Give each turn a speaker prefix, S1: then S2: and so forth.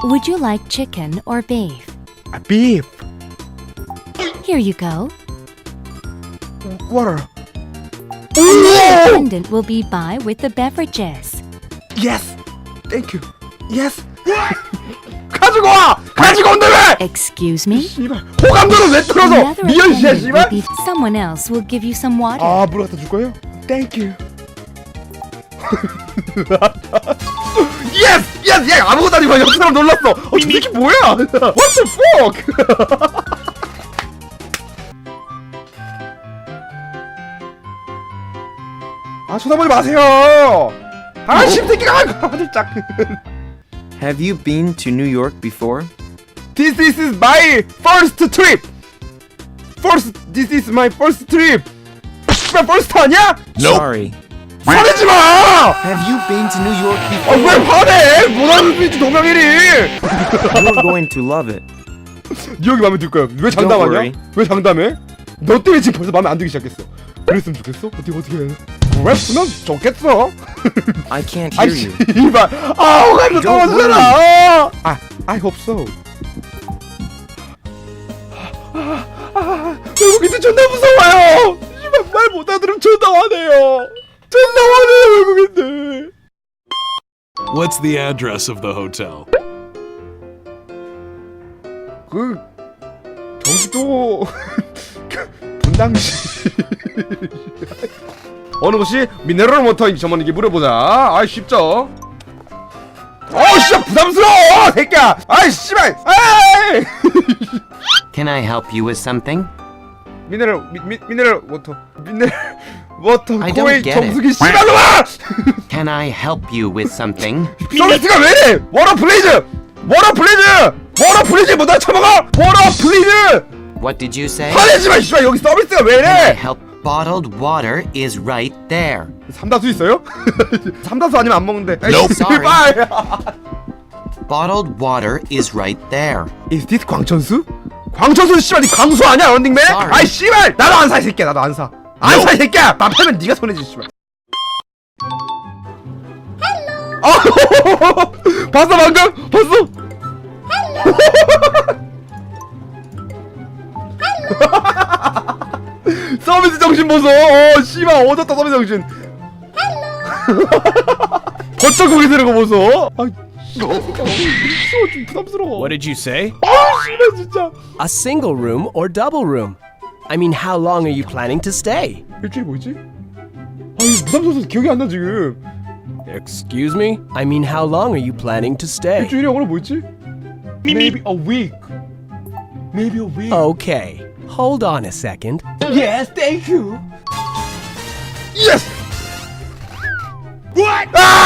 S1: Would you like chicken or beef?
S2: Beef.
S1: Here you go.
S2: Water.
S1: The attendant will be by with the beverages.
S2: Yes. Thank you. Yes. 가지고 와. 가지고 온다 왜?
S1: Excuse me?
S2: 씨발. 호감도를 왜 틀어서?
S1: Another
S2: 미연씨야
S1: attendant will
S2: 씨발.
S1: be. Someone else will give you some water.
S2: 아, 물 갖다 줄 거예요? Thank you. Yes! Yes! 야, 아무것도 아니고 옆 사람 놀랐어. 저 새끼 뭐야? What the fuck? 아, 쳐다보지 마세요. 아, 씹새끼가 화들짝.
S3: Have you been to New York before?
S2: This is my first trip. This is my first trip. 씨발, first 아니야?
S3: Sorry.
S2: 화내지 마!
S3: Have you been to New York
S2: 아,
S3: before?
S2: 왜 화내? 뭐라는 소리지, 동명이리.
S3: You're going to love it.
S2: 뉴욕이 마음에 들 거야. 왜
S3: Don't
S2: 장담하냐?
S3: worry.
S2: 왜 장담해? 너 때문에 지금 벌써 마음에 안 들기 시작했어. 그랬으면 좋겠어? 어떻게 해? 랩스면 좋겠어.
S3: I can't
S2: 아,
S3: hear you.
S2: 씨발. 아, 호감도
S3: Don't
S2: 떨어지잖아. 아, I hope so. 외국인들 존나 무서워요. 씨발 말 못 알아들으면 존나 화내요. 존나 화내요 외국인들.
S4: What's the address of the hotel?
S2: 그 경기도 분당시 어느 곳이 미네랄 워터 전문인지 물어보자. 아이 쉽죠. 씨발 부담스러워 새끼야. 아이 씨발. 아이
S5: Can I help you with something?
S2: 미네랄 워터
S5: I don't
S2: 코웨이
S5: get it.
S2: 정수기 씨발놈아.
S5: Can I help you with something?
S2: 서비스가 왜래? 워터 플리즈 뭐나 처먹어. 워터 플리즈.
S5: What did you say?
S2: 화내지마 씨발. 여기 서비스가
S5: Can I
S2: 왜래?
S5: help? Bottled water is right there.
S2: 삼다수 있어요? 삼다수 아니면 안 먹는데.
S5: Nope.
S2: 씨발.
S5: Bottled water is right there.
S2: Is this 광천수? 광천수 씨발 니 광수 아니야 런닝맨?
S5: Sorry.
S2: 아이 씨발 나도 안 사 이 새끼야. 나도 안 사. 안 사 이 새끼야. 나 팔면 네가 손해지 씨발. 헬로. 봤어 방금? 봤어? 서비스 정신 보소. 씨발 얻었다 서비스 정신. 버쩍 고개 드는 거 보소. 아 씨발 무서워. 좀 부담스러워.
S6: What did you say?
S2: 씨발 진짜.
S6: A single room or double room? I mean, how long are you planning to stay?
S2: 일주일이 뭐였지? 아 이거 부담스러워서 기억이 안 나 지금.
S6: Excuse me? I mean, how long are you planning to stay?
S2: 일주일이 영어로 뭐였지? Maybe a week. Maybe a week.
S6: Okay, hold on a second.
S2: Yes, thank you. Yes. What? 아!